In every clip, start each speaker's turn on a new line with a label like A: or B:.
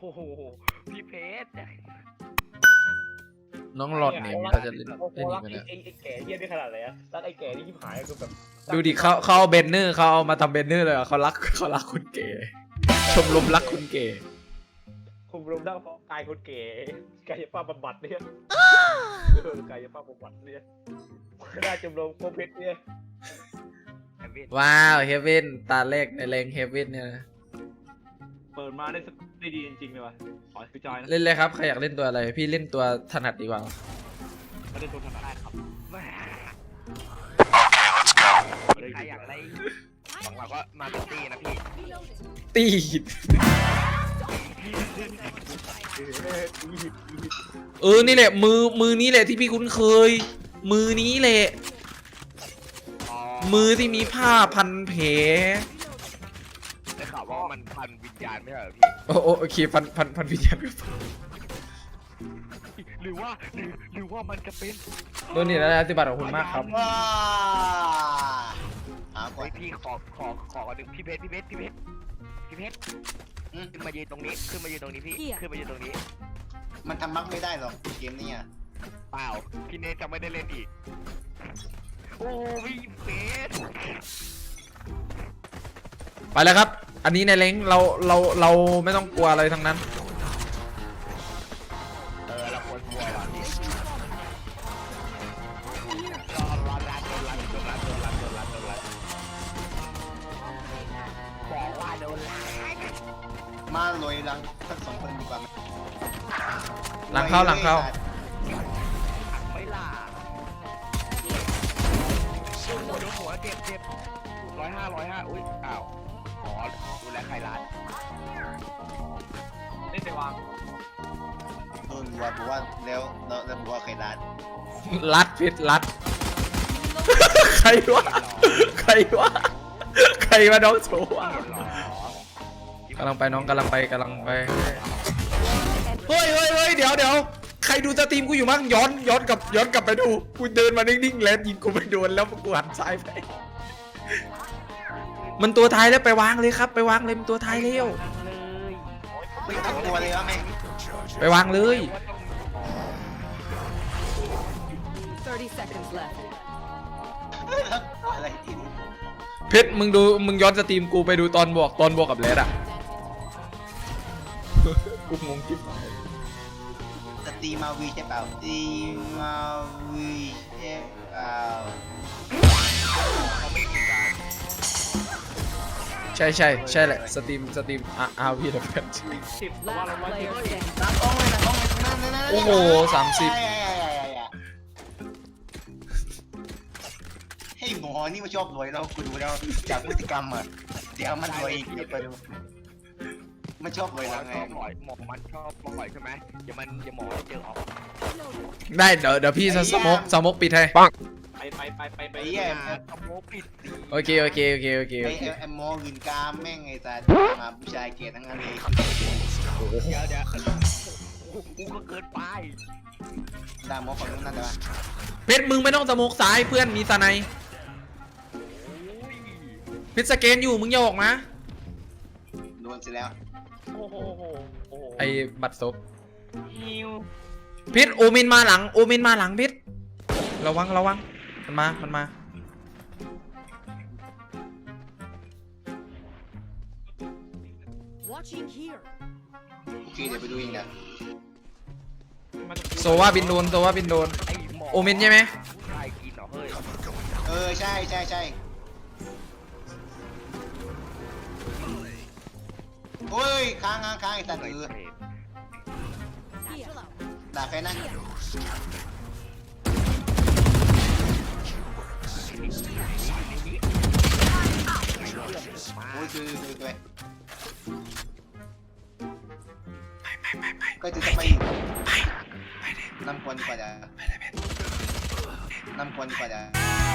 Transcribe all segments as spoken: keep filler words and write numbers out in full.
A: โหพี่เพชร
B: น้องหลอดเนี่ยเขาจะเล่น
A: โอ้โห
B: เล่น
A: รั
B: อี
A: ก
B: กไหม
A: ไอ้
B: เนี่ย
A: ไอ้ไอ้แก่เยี่ยได้ขนาดไหนอะรักไอ้แก่นี่ที่หายคือแบบ
B: ดูดิเขาเขาเอาเบนเนอร์เขาเอามาทำเบนเนอร์เลยเขารักเขารักคุณเก๋ชมรมรักคุณเก๋
A: คุมรวมทั้งกายคนเก๋กายภาพบำบัดเนี่ยกายภาพบำบัดเนี่ยได้จำลองโคเพชรเนี่ย
B: ว้าวเฮเว่นตาแรกในแรงเฮเว่นเนี่ยนะ
A: เปิดมาได้ได้ดีจริงๆเลยวะขอพี่จอยนะ
B: เล่นเลยครับใครอยากเล่นตัวอะไรพี่เล่นตัวถนัดดีกว่า
A: ไม่ได้ตัวถนัดได้ครับใครอยากได้ของเราก็มาเป็นตีนะพี่
B: ตีดเออนี่แหละมือมือนี้แหละที่พี่คุ้นเคย มือนี้แหละมือที่มีผ้าพันแผล
C: ได้ข่าวว่ามันพันวิญญาณไม่ใช่เหรอพี่
B: โอ้โอโอเคพันพันพันวิญญาณ
C: หรือว่าหรือหรือว่ามันจะเป็น
B: โดนนี่แล้วปฏิบัติของคุณมากครับ
D: ว้าหาก่อ
C: ไอ้
D: น
C: พี่ขอขอขอหนึ่งพี่เพชรพี่เพชรพี่เพชรพี่เพชร
D: อืม
C: ขึ้นมายืนตรงนี้ขึ้นมายืนตรงนี้พี่ขึ้นมายืนตรงนี้
D: มันทำมักไม่ได้หรอกเกมนี้อ่ะ
C: เปล่าพี่เนทจะไม่ได้เล่นอีกโอ้พี่เพชร
B: ไปแล้วครับ อันนี้ในเล้งเราเราเราไม่ต้องกลัวอะไรทั้งนั้น
C: เออเราควรกลัวว่ะพี่รอรอรัดโดนรัดโดนรัดโดนรัดโดนรัดโดนรัดบอกว่าโดนรัด
D: มาลอยหลังทั้งสองคนดีกว่าไหม
B: หลังเข้าหลังเข้า
C: ไม่ล่ะโดนหัวเจ็บเจ็บร้อยห้าร้อยห้าอุ้ยอ้าวอ๋อดูแลใครร้าน
A: เล่นไปวาง
D: โดนว่าบอกว่าแล้วแล้วแล้วบอกว่าใครร้าน
B: รัดพิษรัด ใครวะใครวะใครมาน้องโชว์อะกำลังไปน้องกำลังไปกำลังไปเฮ้ยเฮ้ยเฮ้ยเดี๋ยวเดี๋ยวใครดูสตรีมกูอยู่มั้งย้อนย้อนกลับย้อนกลับไปดูกูเดินมานิ่งๆแล้วยิงกูไปโดนแล้วกูหันซ้ายไปมันตัวท้ายแล้วไปวางเลยครับไปวางเลยมันตัวท้ายเร็ว
D: ไม่ตั้งตัวเลยวะแม่ง
B: ไปวางเลย
E: thirty seconds left.
D: อะไรที่นี่
B: เพชรมึงดูมึงย้อนสตรีมกูไปดูตอนบวกตอนบวกกับเลดอะ กูงงจิ๊บ
D: สตรีมาวีใช่เปล่าสตรีมาวีใช่เปล่า
B: ใช่ใช่ใช่แหละสตรีมสตรีมอาอาวีนะเพื่อน
A: สิบว่าเรา
E: Last
A: ร้อยสิบ
E: player standing.
D: ตากล้องเลยตากล้องเลยนั่นนั่นนั่น
B: โอ้โหสามสิบ
D: ให้หมอนี่มันชอบรวยแล้วกูดูแล้วจากพฤติกรรมอ่ะเดี๋ยวมันรวยอีกเดี๋ยวไปดูมันชอบรวย
C: หมอ
D: แล้วไง
C: ชอบปล่อยหมอมันชอบปล่อยใช่ไหมเดี๋ยวมันเดี๋ยวหมอเจอออก
B: ได้เดี๋ยวเดี๋ยวพี่สสมกสมกปิดให้
A: ไปไปไปไปไป
D: ไอ้เหี้ย
C: ขโมยปิดดี
B: โอเคโอเคโอเคโอเค
D: ไอ้
B: โอเค
D: ไอ้หมอหืนกามแม่งไอ้สัตว์มาผู้ชายเกลียดทั้งนั้นเลย
C: เดี๋ยวเดี๋ยวกูก็เกินไป
D: ด่าหมอฝั่งนู้นนั่นเลยวะ
B: เพชรมึงไม่ต้องสมกซ้ายเพื่อนมีสไนด์เพชรสแกนอยู่มึงอย่าออกนะ
D: โดนเสร็จแล้ว
A: โอ้โหโอ้โหโอ้โห
B: ไอ้บัตรซบ
A: ฮิว
B: เพชรโอเมนมาหลังโอเมนมาหลังเพชรระวังระวังมันมามันมา
E: Watching here.
D: โอเคเดี๋ยวไปดูเองนะ
B: โซว่าบินโดนโซว่าบินโดน
C: ไอ้หมอ
B: โอเมนใช่ไหม
C: ผู้ชายกินเหรอเฮ้ย
D: เออใช่ใช่ใช่โอ้ยค้างค้างค้างไอ้สัตว์เออ
E: Here.
D: ด่าใครนะโอ้ยคือคือตัวก็จะไปนำควรดีกว่าจะนำควรดีกว่าจะ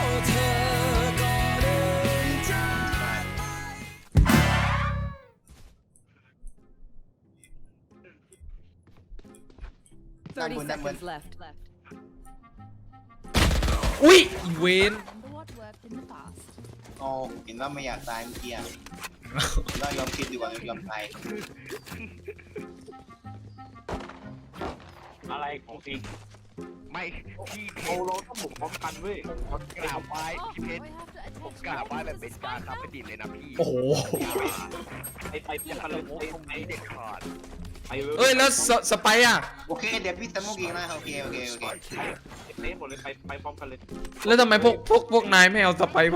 E: Thirty
D: Number, number.
E: seconds left. Left.
B: อุ้ยอีเวน
E: What worked in the past?
D: โอ้เห็นว่าไม่อยากตายเมื่อกี้อ่ะว่ายอมคิดดีกว่ายอมตาย
A: อะไรของจริง
C: ไม่พี่เพ
A: โอ้
C: ชร
A: เราต้องบุกพร้อมกันเว้ย
C: ผมกราบไหว้
E: Oh,
C: พี่เพ
E: we
C: ชร
E: have to
C: ผม
E: attach
C: กราบไหว้
E: weapons
C: แบบเป็น
E: to
C: การ
E: this
C: ครับ
E: one.
C: เป็นดินเลยนะพี่
B: โอ้โห
A: ไปไปพร้อมกันเลย
C: โอ้
A: ไป
C: ตรง
A: ไป
C: นี้เด็ดขาด
A: ไปเลย
B: เอ้ยแล้วสสไปร์อะ
D: โอเคเดี๋ยวพี่สมุกอีกนะโอเคโอเคโอเค
A: เละหมดเลยไปไปพร้อมกันเลย
B: แล้วทำไมพวกพวกพวกนายไม่เอาสไปร์มา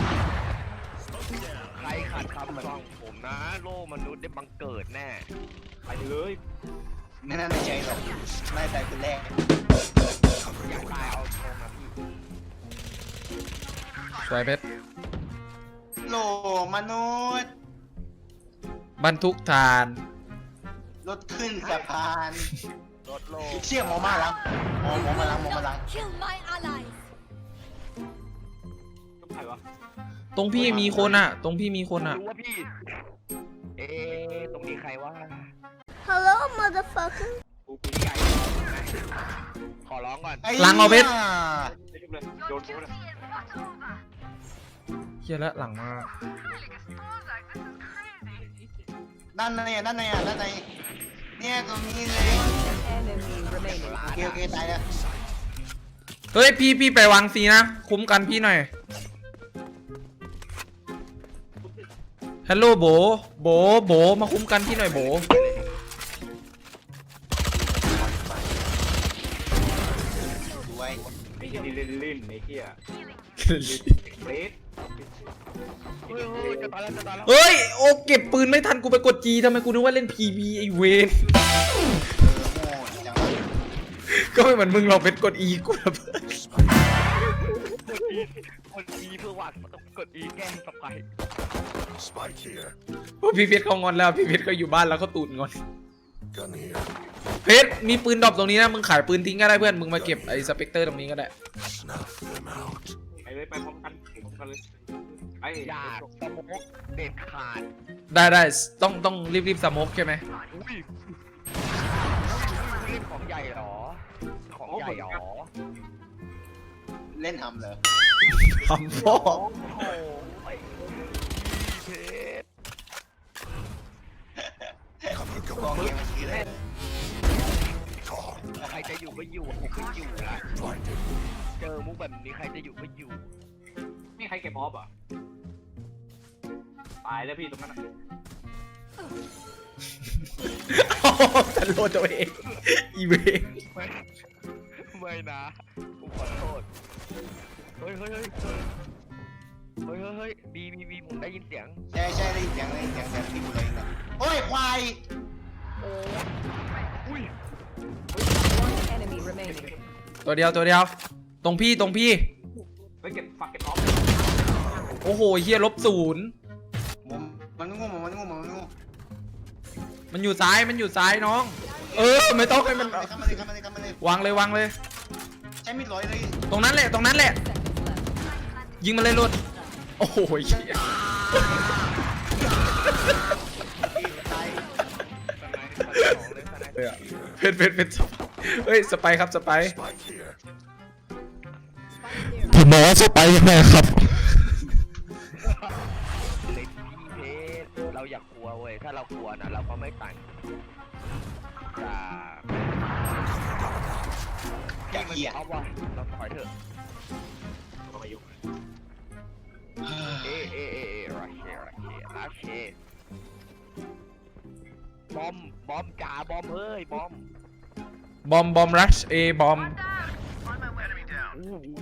C: ใครขัดคำสั่งผมนะ โลกมนุษย์ได้บังเกิดแน่
A: ไปเลย
D: ไม่น่าในใจหรอกน่าใจคนแรก
C: อยากตายเอาตรงนะพี่
B: สวยเพชร
D: โลมนุษย์
B: บรรทุกทาน
D: รถขึ้นสะพาน
C: รถโลก
D: เชี่ยหมอมาแล้วหมอหมอมาแล้วหมอมาแล้ว
E: Don't kill my allies.
A: ต้องใครวะ
B: ตรงพี่มีคนอะตรงพี่มีคนอะ
C: รู้ว่าพี่ เอ๊ะตรงนี้ใครวะ
E: Hello, motherfucker.
A: กูกู
C: พี่ใหญ่ขอร้องก่อน
D: ไอ้
B: หลังเอาเพชร
D: หี้ย
A: ไม่ชุบเลยโยนกูเลย
B: เฮียแล้วหลังมา
D: ด้านในอ่ะด้านในอ่ะด้านในเนี่ยตรงนี้เลย
E: Enemy remaining.
D: โอเคโอเคตายแล้ว
B: เฮ้ยพี่พี่ไปวางซีนะ คุ้มกันพี่หน่อยฮัลโหลโบโบโบมาคุ้มกันพี่หน่อยโบ
D: สวย
A: ไอ้ที่นี่เล่นลิ้นไอ้เหี้ยเฟรด
C: เฮ้ยเฮ้ยจะตายแล้วจะตายแล้ว
B: เฮ้ยโอ้เก็บปืนไม่ทันกูไปกดจีทำไมกูนึกว่าเล่นพีบีไอเวน
D: เออโง่จังวะ
B: ก็ไม่เหมือนมึงหรอกเป็นกดอีกูระเบิด
C: กด E เพื่อวางกด E แก้สไปร์
F: Spike here.
B: เพราะพี่เพชรเขางอนแล้วพี่เพชรเขาอยู่บ้านแล้วเขาตูดงอน
F: Gun here.
B: เพชรมีปืนดรอปตรงนี้นะมึงขายปืนทิ้งก็ได้เพื่อนมึงมาเก็บไอ้สเปกเตอร์ตรงนี้ก็ได้
F: Snuff them out.
A: ไปเลยไปพร้อมกันพร้อมกันเลยไอ้
C: อย่าสมกเด็ดขาด
B: ได้ได้ต้องต้องรีบรีบสโมกใช่ไหม
C: อุ้ยเล่นของใหญ่เหรอ ของใหญ่เหรอ
D: เล่นทำเหรอ
B: ทำพ่อ
C: โอ้โหไอ้เพชร
F: Cover
D: กอง
F: going.
D: เกมเมื่อกี้เลย
F: Gone.
C: ใครจะอยู่ก็อยู่ผมก็อยู่ละ
F: Blinded.
C: เจอมุกแบบนี้ใครจะอยู่ก็อยู่
A: ไม่ใครเก็บออฟอ่ะตายแล้วพี่ตรงนั้น
B: ฉันโลดตัวเองอีเวน
C: ไม่ไม่นะกูขอโทษเฮ้ยเฮ้ยเฮ้ยเฮ้ยเฮ้ยเฮ้ยบีบีบีผมได้ยินเสียง
D: ใช่ใช่ได้ยินเสียงได้ยินเสียงแต่ที่กูเลยนะโอ้ยควาย
C: โอ้อุ้ย
E: One enemy remaining.
B: ตัวเดียวตัวเดียว ตรงพี่ตรงพี่
A: ไปเก็บฝักเก็บออฟ
B: โอ้โหเฮียลบศูนย์
D: มันมันงูมันงูมันงู
B: มันอยู่ซ้ายมันอยู่ซ้ายน้อง เออไม่ต้องให้มัน
D: เข้ามาเลยเข้ามาเลยเข้ามาเลยว
B: างเลยวางเลย
D: ใช้มีดร้อยเลย
B: ตรงนั้นแหละตรงนั้นแหละ ยิงมาเลยลุดโอ้โหเหี้ย
D: ตาย
C: สไนด์สไนด์สองเลยสไนด์
B: เพชรเพชรเพชรเฮ้ยสไปร์ครับสไปร์
F: Spike here.
B: ผมบอกว่าสไปร์ยังไงครับ
C: เล่นพี่เพชรเราอยากกลัวเว้ยถ้าเรากลัวนะเราก็ไม่ต่างจาก
D: อย่า
C: มัน
D: เหี้ย
C: เอาว่ะเราถอยเถอะ
A: ก็มายุ่ง
C: เอเอเอเอรัชเชรัชเชรัชเชบอมบอมจ๋าบอมเฮ้ยบอม
B: บอมบอมรัชเอบอม
C: อู้หู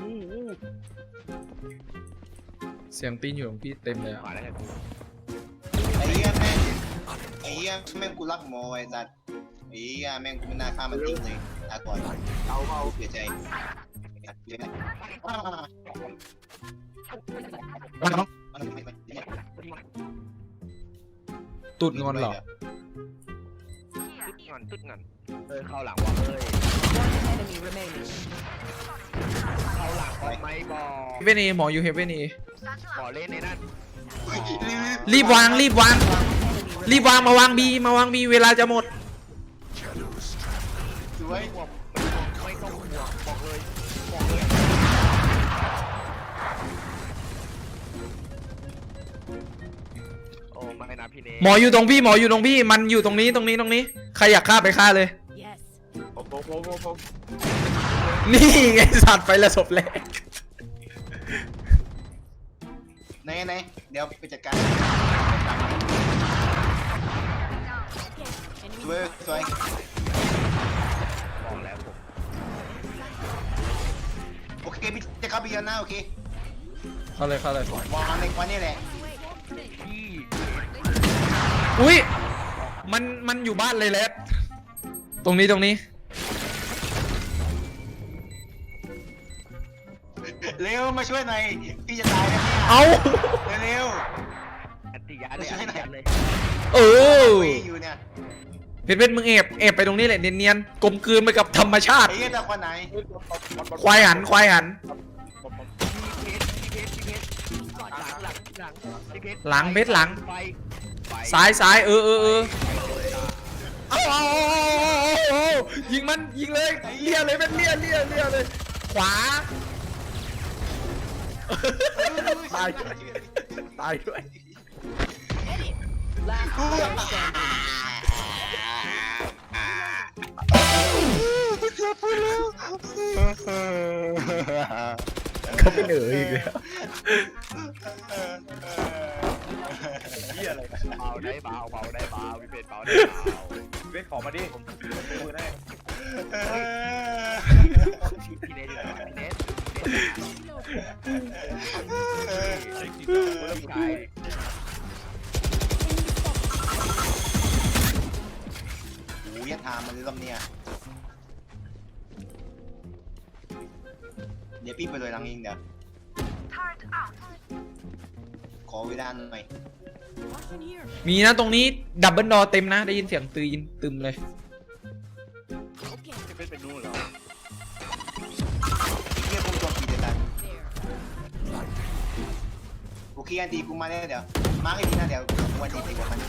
B: เสียงตีนอยู่ของพี่เต็มเลยอะ
C: มาแล้วไงกู
D: ไอ้เหี้ยแม่งไอ้เหี้ยแม่งกูรักหมอไอ้สัตว์ไอ้เหี้ยแม่งกูไม่น่าฆ่ามันทิ้งเลยลาก่อนเอาเอาเสียใจเสียใจ
B: ตุดงอนเหรอ
C: ตึ๊ดเงินตึ๊ดเงินเฮ้ยเข้าหลังว่ะเฮ้ย
E: One enemy remaining.
C: เข้าหลังบอมไหมบอม
B: เฮเวนเอหมออยู่เฮเวนเอ
C: บอเล่นในนั่น
B: รีบวางรีบวาง รีบวางมาวางบีมาวางบีเวลาจะหมด
F: Shadows traveling.
D: สวย
C: ห่วงไม่ต้องห่วงบอกเลยบอกเลยโอ้ไม่นะพี่เน
B: หมออยู่ตรงพี่หมออยู่ตรงพี่มันอยู่ตรงนี้ตรงนี้ตรงนี้ใครอยากฆ่าไปฆ่าเลย
E: Yes.
A: ผมผมผมผมผม
B: นี่ไงสัตว์ไปละศพแรก
D: ไหนไหนเดี๋ยวไปจัดการสวยสวย
C: บอกแล้วผม
D: โอเคพี่จะเข้าไปยันหน้าโอเค
B: เข้าเลยเข้าเลย
D: วางในควันนี่แหละ
C: พี่
B: อุ้ยมันมันอยู่บ้านเลยแหละตรงนี้ตรงนี้
D: เร็วมาช่วยหน่อยพี่จะตายแล้วเนี่ย
B: เอา
D: เร็ว
C: อันติยาเลยอันติยาเลย
B: เออ
D: คุยอยู่เนี่ย
B: เพชรเพชรมึงเอบเอบไปตรงนี้แหละเนียนๆกลมกลืนไปกับธรรมชาติ
D: ไอ้เหี้ยตะควันไหน
B: ควายหันควายหัน
C: พี่เพชรพี่เพชรพี่เพชรหลังหลังหลังพี่เพชร
B: หลังเพชรหลัง
C: ไฟไฟ
B: ซ้ายซ้ายเออเออเออเอาเอาเอาเอาเอายิงมันยิงเลยเลี่ยเลยเป็นเลี่ยเลี่ยเลี่ยเลย ขวาตายด้วยตายด้วย
E: Last player standing.
B: เขาเป็นเอ๋ยอีกแล้ว
A: เฮียอะไร
C: เบาได้เบาเบาได้เบาพี่เพชรเบาได้เบา
A: เวทขอมาดิผมซื้อมือได้
C: พี่เนทอยู่ไหนพี่เนทพี่ชาย
D: โอ้ยทามมันเลยรอบเนี่ยเดี๋ยวพี่ไปเลยหลังเองเดี๋ยวขอเวลาหน่อย
B: มีนะตรงนี้ดับเบิลดอเต็มนะได้ยินเสียงตืนตึมเลย
A: จะเป็นเป็นนู่นเหรอ
D: เรียกกูตัวกี่เดือนโอเคอันดีกูมาแล้วเดี๋ยวมาร์กไอ้ทีนะเดี๋ยวกูอันดีไปกว่ามัน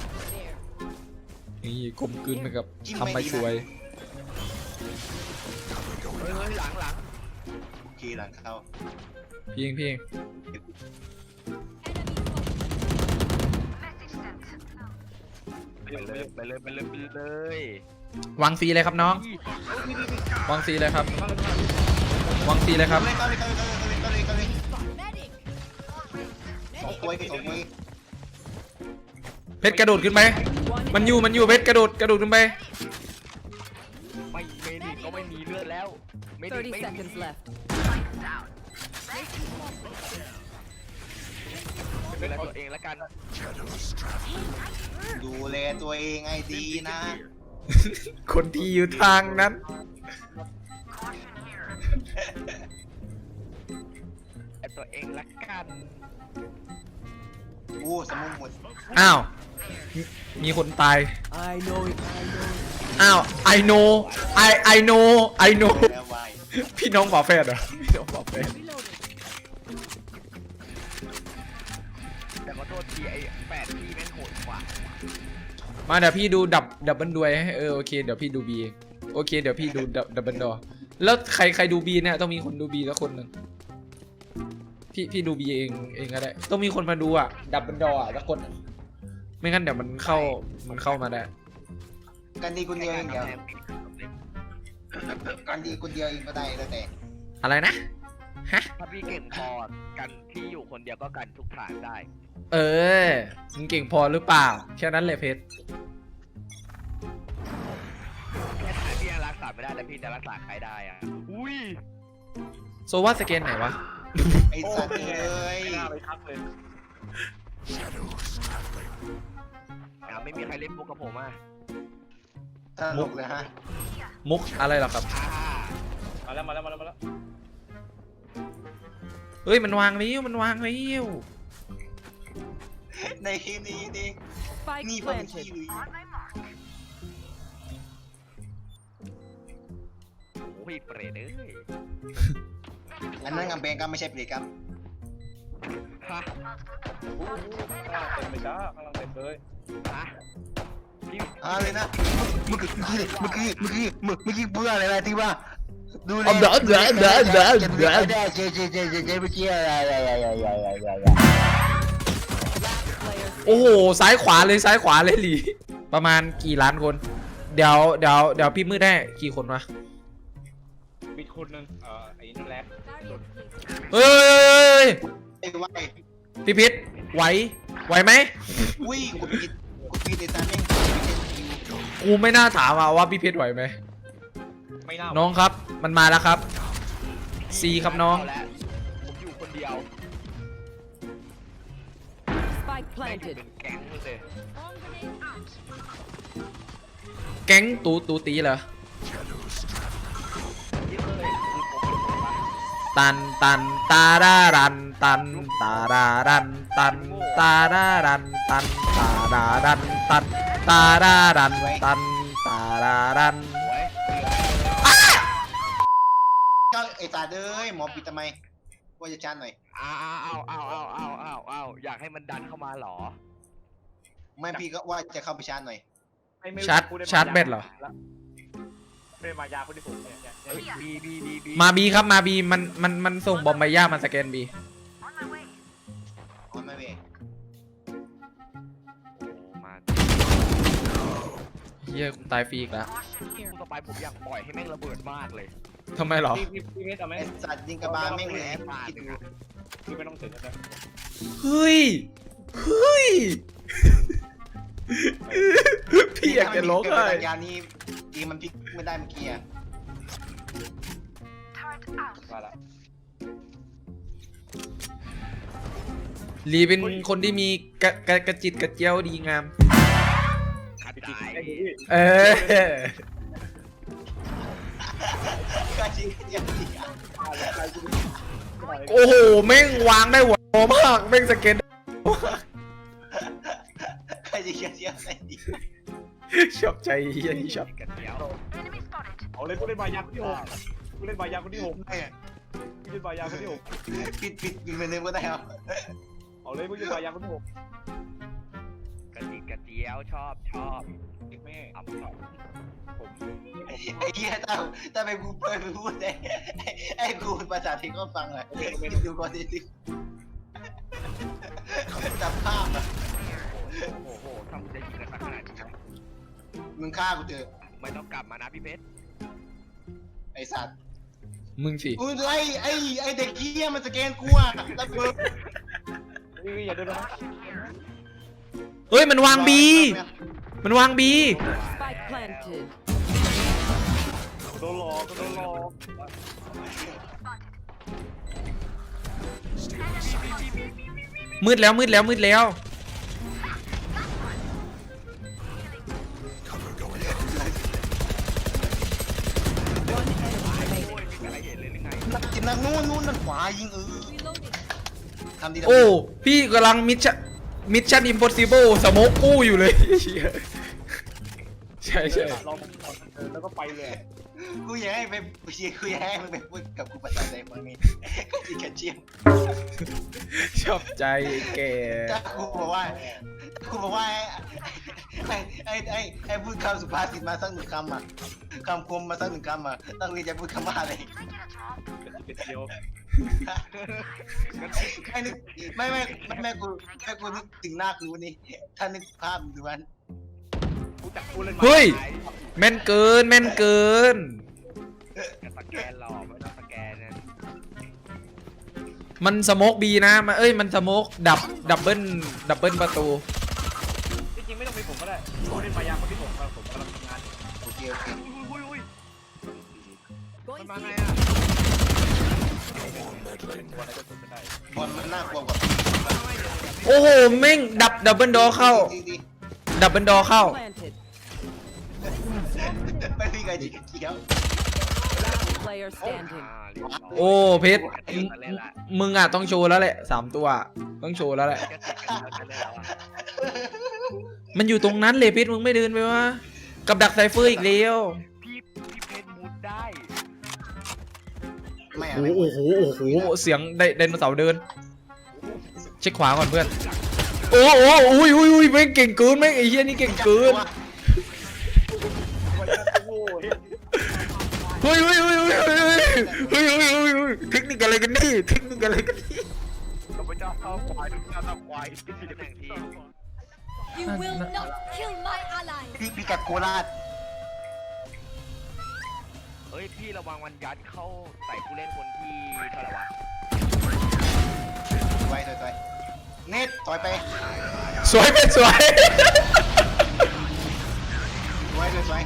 B: นี่กลมกลืนไปกับทำไปช่วย
C: เฮ้ยเฮ้ยหลังหลัง
D: โอเคหลังเข้า
B: พี่เองพี่เอง
C: ไปเลยไปเลยไปเลยไปเลยว
B: างซีเลยครับน้อง วางซีเลยครับ วางซีเลยครับ
D: เข้าเลยเข้าเลยเข้าเลยเข้าเลยเข้าเลยสองตัวสองตัว
B: เพชรกระโดดขึ้นไป มันอยู่มันอยู่เพชรกระโดดกระโดดขึ้นไป
C: ไม่เมดิก็ไม่มีเลือดแล้วเมดิ
E: Thirty
C: ไม่มี
E: seconds left.
C: ดูแลตัวเองแล้วกัน
F: Shadows traveling.
D: ดูแลตัวเองให้ดีนะ
B: คนที่อยู่ทางนั้น
C: แต่ตัวเองละกัน
D: โอ้สมุนหมด
B: อ้าวมีมีคนตาย
E: I know it. I know.
B: อ้าว I know I I know I know
D: แล้ววาย
B: พี่น้องฝาแฝดเหรอพี่น้องฝาแฝด
C: แต่ขอโทษทีไอ้แปดที่แม่งโหดกว่า
B: มาเดี๋ยวพี่ดูดับดับเบิลด้วยให้เออโอเคเดี๋ยวพี่ดูบีโอเคเดี๋ยวพี่ดูดับดับเบิลดอแล้วใครใครดูบีเนี่ยต้องมีคนดูบีสักคนหนึ่งพี่พี่ดูบีเองเองก็ได้ต้องมีคนมาดูอ่ะดับเบิลดออ่ะสักคนอะไม่งั้นเดี๋ยวมันเข้ามันเข้ามาได้
D: กันดีคนเดียวเองเดี๋ยวกันดีคนเดียวเองก็ได้แล้วแต่
B: อะไรนะฮะ
C: ถ้าพี่เก่งพอกันที่อยู่คนเดียวก็กันทุกฐานได้
B: เออมึงเก่งพอหรือเปล่าแค่นั้นเลยเพชร
C: แค่ฐานพี่ยังรักษาไม่ได้แล้วพี่จะรักษาใครได้อ่ะอุ้ย
B: โซว่าสเกนไหนวะ
D: ไอ้สัตว์เอ้ย
A: ไม่น่าไปทักเลย
F: Shadows traveling.
C: อ่าไม่มีใครเล่นมุกกับผมอ่ะ
D: ตลกเลยฮะ
B: มุกอะไรหรอครับ
C: อ่า
A: มาแล้วมาแล้วมาแล้วมาแล้ว
B: เฮ้ยมันวางแล้วมันวางแล้ว
D: ในที่นี้นี่
E: Spike
D: นี่พอเป็นขี้
E: planted.
D: ลุย
C: โอ้ยเปรตเอ้ย
D: อันนั้นกำแพงก็ไม่ใช่เปรตครับ
C: ฮะ
A: ข้างล่างเต็มเลยจ้าข้างล่างเต็มเลย
C: ฮะพี่
D: อ่าเลยนะเมื่อกี้เมื่อกี้เมื่อกี้เมื่อกี้เมื่อกี้พูดอะไรนะที่ว่าดูแล
B: เอาเดี๋ยวเดี๋ยวเดี๋ยวเดี๋ยวเดี๋ยว
D: ได้เจ๊เจ๊เจ๊เจ๊เจ๊เมื่อกี้อะไรอะไรอะไรอะไรอะไร
E: Last player
B: โอ้โหซ้ายขวาเลยซ้ายขวาเลยหลีประมาณกี่ล้านคนเดี๋ยวเดี๋ยวเดี๋ยวพี่มืดได้กี่คนวะ
A: มีคนหนึ่งเอ่อไอ้นั่นแหละ
B: เฮ้ย
D: ไอ้ไว้
B: พี่พิษไหวไหวไหม
D: อุ้ยกูปิดกูปิดไอ้ตาแม่ง
B: กูไม่น่าถามอะว่าพี่พิษไหวไหม
A: ไม่น่า
B: น้องครับมันมาแล้วครับซีครับน้อง
C: เาแล้วผมอยู่คนเดียว
E: Spike
C: แม่งอยู่
E: planted.
C: เป็นแก๊งเลย
B: แก๊งตูตูตีเหรอ
C: ที่เคยคือผมเป็นคนบ้า
B: ตันตันตาดารันตันตาดารันตันตาดารันตันตาดารันตันตาดารันตันตาดารัน
C: โอ้ย
D: เจ้าไอ้ตาเด้ยหมอปิดทำไมว่าจะจานหน่อย
C: อ้าวอ้าวอ้าวอ้าวอ้าวอ้าวอยากให้มันดันเข้ามาเหรอ
D: ไม่พี่ก็ว่าจะเข้าไปชาร์จหน่อย
A: ไม่ไม่
B: ชาร์จ
A: พูดได้
B: ชาร์จเบ็ดเหรอ
A: ไม่ได้มายาคนที่ผมเนี่ยเนี่ย
C: เฮ้ยบีบีบีบี
B: มาบีครับมาบีมันมันมันส่งบอมไปย่ามันสแกนบี
D: ออนไม่เว้ย
C: โอ้มา
B: เฮียกูตายฟรีอีกแล้ว
C: คู่ต่อไปผมอยากปล่อยให้แม่งระเบิดมากเลย
B: ทำไมเหรอ
A: พี่พี่พี่เมธเอาไหม
D: ไอ้สัตว์ยิงกระบาลแม่งเลยคิดดู
A: พี่ไม่ต้องถึงนะ
B: เฮ้ยเฮ้ยพี่อยากจะร้องไห้
D: ยานี้ทีมันพลิกไม่ได้เมื่อกี้อะ
A: มาละ
B: ลีเป็นคนที่มีกระกระกระจิตกระเจียวดีงาม
C: ขัด
A: พี่
C: ใจ
A: ไอ้พี่
B: เออ
D: ก็จริงอย่างนี้
B: โอ้โหแม่งวางได้หัวโตมากแม่งสเก็ต
D: ใครจะเขียนเสียงใส่ดี
B: ชอบใจเฮียนี่ชอบ
C: กันเดียว
A: เอาเลยกูเล่นมายาคนที่หกกูเล่นมายาคนที่หก
D: ไม่อะ
A: กูเล่นมายาคนที่หก
D: ปิดปิดปิดไปเลยก็ได้ครับ
A: เอาเลยกูเล่นมายาคนที่หก
C: กันจิกกันเดียวชอบชอบ
A: เด็กแม่
C: ทำสอง
A: ผม
D: ไอ้เหี้ยถ้าถ้าไปกูเปิดไปพูดได้ไอ้กูภาษาไทยก็ฟังเลยคิดดูก่อนดิสิจับภาพอะ
C: โอ้โหถ้ามึงจะยิงกันสักขนาดนี้นะ
D: มึงฆ่ากูเถอะ
C: ไม่ต้องกลับมานะพี่เพชร
D: ไอ้สัตว์
B: มึงสิ
D: อุ้ยไอ้ไอ้ไอ้เด็กเหี้ยมันสแกนกูอะแล้วเบิร์
A: พี่อย่าเดินนะ
B: เฮ้ยมันวางบีมันวางบี
E: Spike planted.
A: โดนหลอกโดนหลอก
B: มืดแล้วมืดแล้วมืดแล้ว
F: Cover going out.
E: One enemy
C: โอ้
E: remaining.
C: ยมีอะไรเห็นเลยหรือไง
D: นักจิตนักนู่นนู่นนั่นขวายิงเออทำดี
B: โอ้พี่กำลังมิชชั่นมิชชั่นอิมพอสิเบิลสโมกกู้อยู่เลยเหี้ยใช่ใช่
A: ลองเดินแล้วก็ไปเลย
D: กูอยากให้ไปกูอยากให้มึงไปพูดกับกูภาษาไทยมึงนี่ก็จีกันเชียม
B: ชอบใจแก
D: ถ้ากูบอกว่ากูบอกว่าไอ้ไอ้ไอ้ไอ้พูดคำสุภาษิตมาสักหนึ่งคำอ่ะคำคมมาสักหนึ่งคำอ่ะต้องมีจะพูดคำว่าอะไร
A: เป็นเดียว
D: ไม่นึกไม่ไม่ไม่ไม่กูไม่กูนึกถึงหน้ากูนี่ถ้านึกภาพดูมัน
A: กูจับกูเล่นมา
B: เฮ้ยแม่นเกินแม่นเกิน
C: จะสแกนหรอไม่ต้องสแกนนะ
B: มันสโมกบีนะมาเอ้ยมันสโมกดับดับเบิลดับเบิลประตู
A: จริงๆไม่ต้องมีผมก็ได้กูเล่นมายาคนที่หกมาผมกำลังทำงาน
D: โอเคโอเค
C: อุ้ยอุ้ยอุ้ยมัน
E: Going
C: มา
E: C.
C: ไงอ่ะ
A: ตัวอะไรก็ตัวไม่ได้
D: บอลมันน่ากลัวกว่า
B: โอ้โหแม่งดับดับเบิลดอเข้า
D: ดีดี
B: ดับเบิลดอเข้า
E: Planted.
D: ไม่มีใครจีกันเชียว
E: Last player
C: อ่า
E: standing.
C: เรียบร้อย
B: โอ้เพชร
C: เล่นละเล่นละ
B: มึงอ่ะต้องโชว์แล้วแหละสามตัวต้องโชว์แล้วแหละ
C: แค่ติดกันแล้วจะเล่นแล้วอ่ะ
B: มันอยู่ตรงนั้นเลยเพชรมึงไม่เดินไปวะกับดักไซเฟอร์อีกแล้ว
C: พี่พี่เพชรมุดได้
D: ไม่อะ
B: โอ้
D: ไม่
B: โหโอ้โหโอ้โหเสียงไดไดโนเสาร์เดิน เช็คขวาก่อนเพื่อน โอ้โหอุ้ยอุ้ยอุ้ยแม่งเก่งเกินแม่งไอ้เหี้ยนี่เก่งเกิน
A: โอ้ย
B: เฮ้ยเฮ้ยเฮ้ยเฮ้ยเฮ้ยเฮ้ยเฮ้ยเฮ้ยเฮ้ยเทคนิคอะไรกันนี่เทคนิคอะไรกันนี่
C: เราไปจ้าเท้าควายดูจ้าเท้าควายที่ตำแหน่งที่
G: You will not kill my ally.
D: พี่พี่กัดโคราช
C: เฮ้ยพี่ระวังมันยัดเข้าใส่ผู้เล่นคนที่เท่าไหร่วะ
D: ไว้ถอยถอยเน็ตถอยไป
B: สวยเป็นสวย
D: ไว้ถอยถอย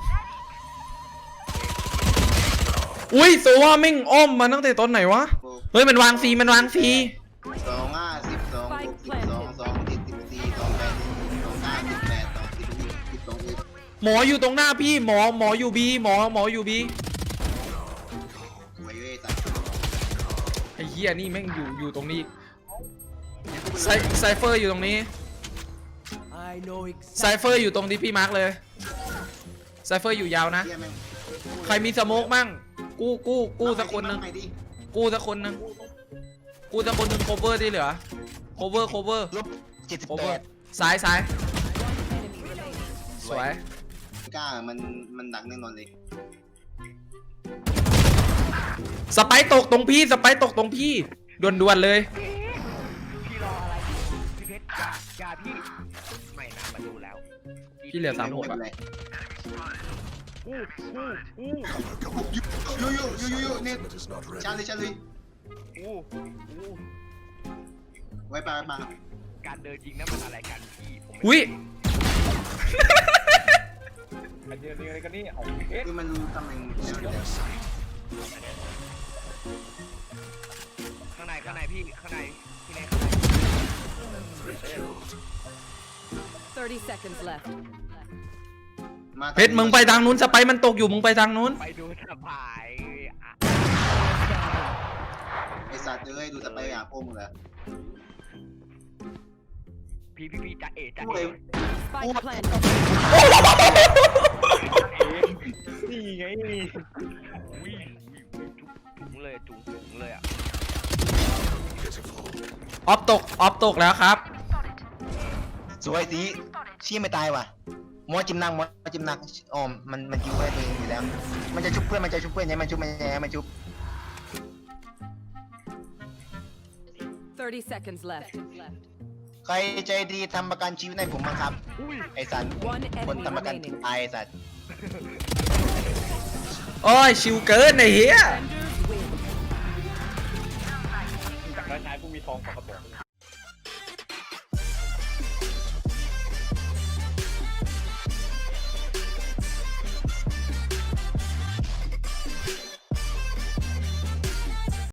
B: อุ้ยโซว่าแม่งอ้อมมาตั้งแต่ตอนไหนวะ เฮ้ยมันวางฟรีมันวางฟรี
D: สองห้าสิบสองหกสิบสองสองเจ็ดสิบสี่สองแปดสิบสองห้าสิบแปดสองสิบสิบสิบสองสิบ
B: หมออยู่ตรงหน้าพี่หมอหมออยู่บีหมอหมออยู่บี
D: ไว้เว้ยสัตว์
B: ไอ้เหี้ยนี่แม่งอยู่อยู่ตรงนี้ไซไซเฟอร์อยู่ตรงนี้ไซเฟอร์อยู่ตรงที่พี่มาร์กเลยไซเฟอร์อยู่ยาวนะ
D: เหี้ยแม่ง
B: ใครมีสโมกมั่งกู้กู้กู้สักคนหนึง
D: ไปดิ
B: กู้สักคนหนึงกู้สักคนหนึง cover ที่เหลือ cover cover
D: ลบเจ็ดสิบแป
B: cover
D: ด
B: ซ้ายซ้าย
E: Enemy remaining.
B: สวย
D: กล้ามันมันดักแน่นอนเลย
B: สไปร์ตกตรงพี่สไปร์ตกตรงพี่ด่วนๆเลย
C: พี่รออะไรอยู่พี่เพชรอย่าอย่าพี่ไม่นะมาดูแล้ว
B: พี่เหลือสามหก
D: ไม่
B: อะ
D: เป็นไร
C: อู้อู้อู้
D: ยูยูยูยูยูเน็ต
F: It is not ready.
D: ชาเลยชาเลย
C: อู้อู้
D: ไว้ปาไว้ปา
C: การเดินยิงนั้นมันอะไรกันพี่ผมไม่
B: อุ้ย
A: อันนี้อะไรกันนี่เอาเอ๊ะ
D: คือมันรู้ตำแหน่งแนวเดียว
C: ข้างในข้างในพี่ข้างในพี่ใน
E: thirty seconds left.
D: มา
B: เพชรมึงไปทางนู้นสไปร์มันตกอยู่มึงไปทางนู้น
C: ไปดูสบายอ่ะ
D: ไอสัตว์เอ้ยดูสไปร์อ่ะพวกมึงเหรอ
C: พี่พี่พี่จะเอะจะ
D: โอ้ย
C: เอะ
E: Spike planted.
A: นี่ไงนี่
C: อุ้ยอุ้ยอุ้ยจุ๊บจุ๋งเลยจุ๋งจุ๋งเลยอ่ะ
F: Pitiful.
B: ออฟตกออฟตกแล้วครับ
D: สวยสิชี้ไม่ตายว่ะมอจิมนังมอจิมนังอ๋อมันมันจิ้วเพื่อนตัวเองอยู่แล้ว มันจะชุบเพื่อนมันจะชุบเพื่อนยังมันชุบมันยังมันชุบ
E: thirty seconds left.
D: ใครใจดีทำประกันชีวิตให้ผมบ้างครับ
C: อุ้ย
D: ไอสัน
E: One
D: คน
E: enemy
D: ทำประกัน
E: remaining.
D: ตายไอสัน
B: โอ้ยชิวเกินไอ้เหี้ย
E: Defenders win.
A: จากนั้นชายผู้มีทองของกระบอก